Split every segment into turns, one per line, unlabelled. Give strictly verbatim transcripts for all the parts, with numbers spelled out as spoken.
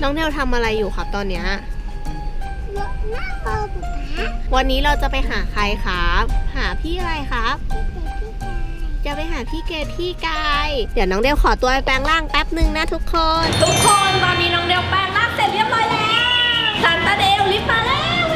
น้องเนวทำอะไรอยู่ครับตอนเนี้ย
นั่งรอป๊าป๊า
วันนี้เราจะไปหาใครครับ หาพี่อะไรครับ จะไปหาพี่เกดพี่กายเดี๋ยวน้องเดวขอตัวไปแปลงร่างแป๊บหนึ่งนะทุกคน ทุกคนตอนนี้น้องเดวแปลงร่างเสร็จเรียบร้อยแล้วซันตาเดวรีบมาแล้ว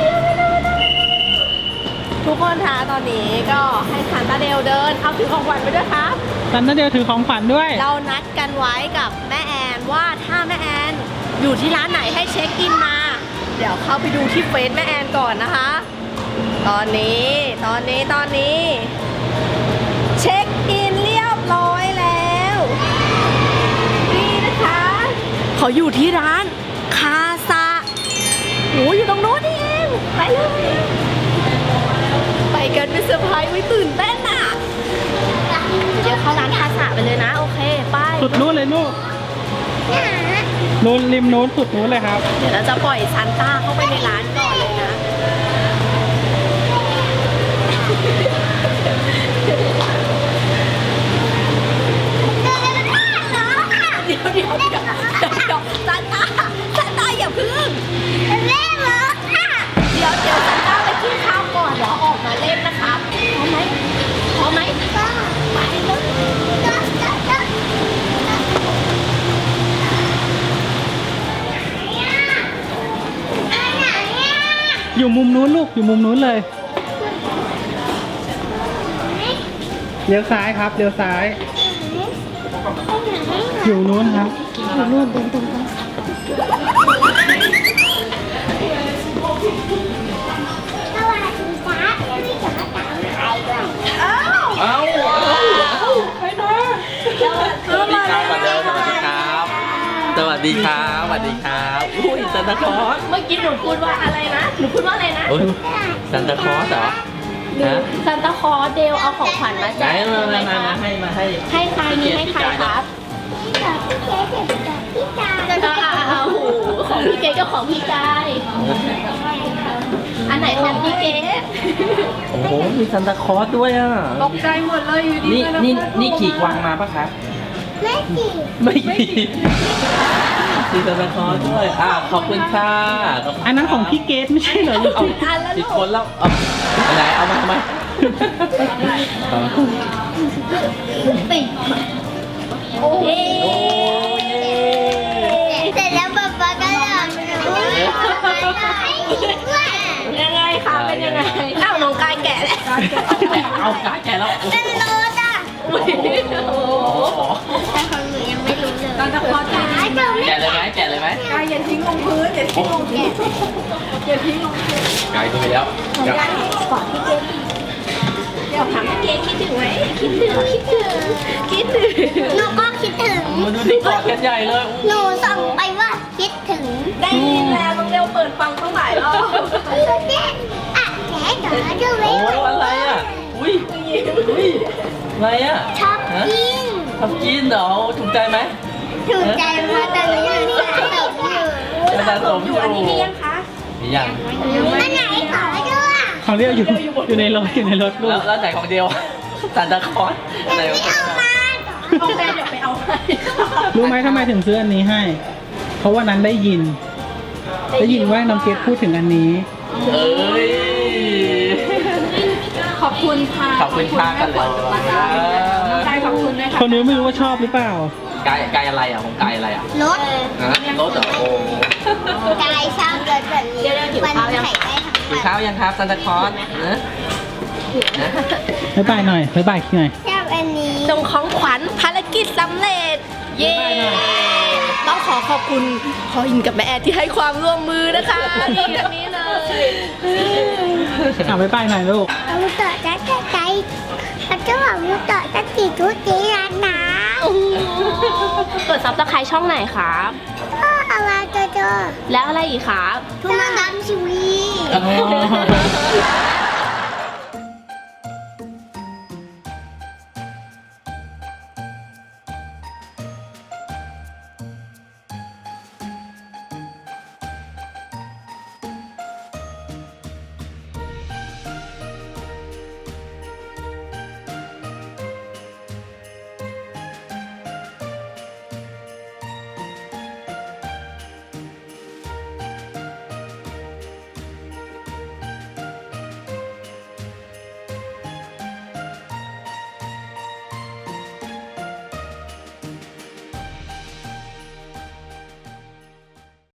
ทุกคนคะตอนนี้ก็ให้ซันตาเดวเดินเอาถือของขวัญไปด้วยครับ
ซันตาเดลถือของขวัญด้วย
เรานัดกันไว้กับแม่แอนว่าถ้าแม่แอนอยู่ที่ร้านไหนให้เช็คอินมาเดี๋ยวเข้าไปดูที่เฟซแม่แอนก่อนนะคะ ตอนนี้ตอนนี้ตอนนี้เช็คอินเรียบร้อยแล้วนี่นะคะเขาอยู่ที่ร้านคาซาโหอยู่ตรงโน้นนี่เองไปเลยไปกันเป็นเซอร์ไพรส์ไว้ตื่นเต้นอ่ะเดี๋ยวเข้าร้านคาซาไปเลยนะโอเคไป
สุดนู้นเลยลูกนู้นริมนู้นสุดนู้นเลยครับ
เดี๋ยวเราจะปล่อยซันต้าเข้าไปในร้านก่อนเลยนะเดี๋ยวเดี๋ยวเดี๋ยวเดี๋ยวซันต้าซันต้าอย่าพึ่ง
แม่เหรอค่ะ
เดี๋ยวเดี๋ยวซันต้าไปกินข้าวก่อนเดี๋ยวออกมาเล่นนะครับพร้อมไหมพร้อมไหม
ก็ไปเลยก็ก็ก็
อยู่มุมนู้นลูกอยู่มุมนู้นเลยเลี้ยวซ้ายครับเลี้ยวซ้าย อยู่นู้นครับอยู่นู้นเดินตรงไป
สวัสดีจ้าไม่จ๋าตามใครด้วย
อ้าว
เอ้า
ไปนะสวัสดีครับ
สวัสดีครับ สวัสดีครับ สวัสดีครับ อุ้ยซันตาคลอส
เมื่อกี้หนูพูดว่าอะไรนะหนูพูดว่าอะไรนะ
โอ้ยซันตาคลอสเหรอฮะ
ซันตาคลอสเดลเอาของขวัญมา
ไหน
แจก
มา
ไหม
มา
ค
มา
รับ
ให้มาให้
ให้ใครนี่ให้ใครครับ
พี่จ๋าพี่เจ๊เด็กจ๋าพี่จ๋า
ก็เอาโอ้โหของพี่เกดกับของพี่กายอันไหนของพี่เกด
โอ้โห มีซันตาคลอสด้วยอ่ะ
ตกใจหมดเลยอยู่ดี
นี่นี่นี่ขี่กวางมาปะครับ
แม่จี
ไม่ขี่มีซันตาคลอสด้วย อ่าขอบคุณค่ะขบคุณ
อันนั้นของพี่เกดไม่ใช่เหรอลูก
เอา
อันแล้ว
ผิ
ลู
ด
ก
คนแล้ว เอาอันไหนเอามาทำไม
ติดโอ้ย
โอ้ย
เสร็จแล้วป๊าป๊าก็หลับหนูให้อีกว่า
ยังไงคะเป็นยังไงอ้าวน้องกายแกะแล้ว
เอากาแกแล้ว
เป็นโรสอ่ะ
อุ้ยโอ้โห
แต่ของหนูยังไม่รู้เลย
ซันตาคลอสแกะ
หาเจอ
แกะเลยไหมแกะเลยไหม
กายอย่าทิ้งลงพื้นอย่าทิ้งลงพื้นอย่าทิ้งลงพื้น
ไกลไปแล้ว
ก่อนพี่เกดเดี๋ยวถามพี่เกดคิดถึงไหมคิดถึงคิดถึงคิดถึง
หนูก็คิดถึง
มาดูที่กอดกันใหญ่เลย
หนูส่งไปว่าคิดถึง
ได้ยินแล้วน้องเร็วเปิดฟังตั้งหลายรอบ
เจ๊อ่ะแจ๊จ๋าดูไหม
โอ้อะไรอ่ะ อุ้ยอุ้ยอะไรอ่ะ
ชอบกิน
ทำกินเหรอถูกใจไหม
ถูกใจมากแต่หนูยังสะสมอยู่
จะสะสมอยู่
อันนี้มียังคะ
มียัง
อันไหนขอด้วย
ของเรียกอยู่อยู่ในรถอยู่ในรถลู
แล้
ก
วแล้วไหนของเดียวซันตาคลอสอะไร
ไม่
ของ
เอามา
โอเคเดี๋ยวไปเอาให้
รู้ไหมทำไมถึงซื้ออันนี้ให้ เพราะว่านั้นได้ยิน ได้ยินว่าน้องเกดพูดถึงอันนี้
เอ้ย
ขอบคุณค่ะ
ขอบคุณค่ากันเลย
น้องกายขอบคุณด้วยค่ะ
คนนี้ไม่รู้ว่าชอบหรือเปล่า
กายกายอะไรอ่ะของกายอะไรอ่ะ
รถ
ฮะรถเหรอโอ้
กายชอบรถแบบนี้มันใส่ได้ทั้ง
กิน
วัน
ข้าวยังครับซันตาคลอสเนอะนะ
บ๊ายบายหน่อยบ๊ายบายหน่อย
ชอบอันนี้
ส่งของขวัญภารกิจสำเร็จ เย้ต้องขอขอบคุณพ่ออินกับแม่แอดที่ให้ความร่วมมือนะคะนี่แบบนี้เลย
อ่ะบ๊ายบายหน่อยลูก
เอาต่อจะจะใจเราจะบอกว่าต่อจะติดทุกทีร้านน้
เปิดซับสไครต์ช่องไหนครับ
ำก็อะไรจะเจอ
แล้วอะไรอีกครับ
ทุกมันดำชีวี
อ๋อ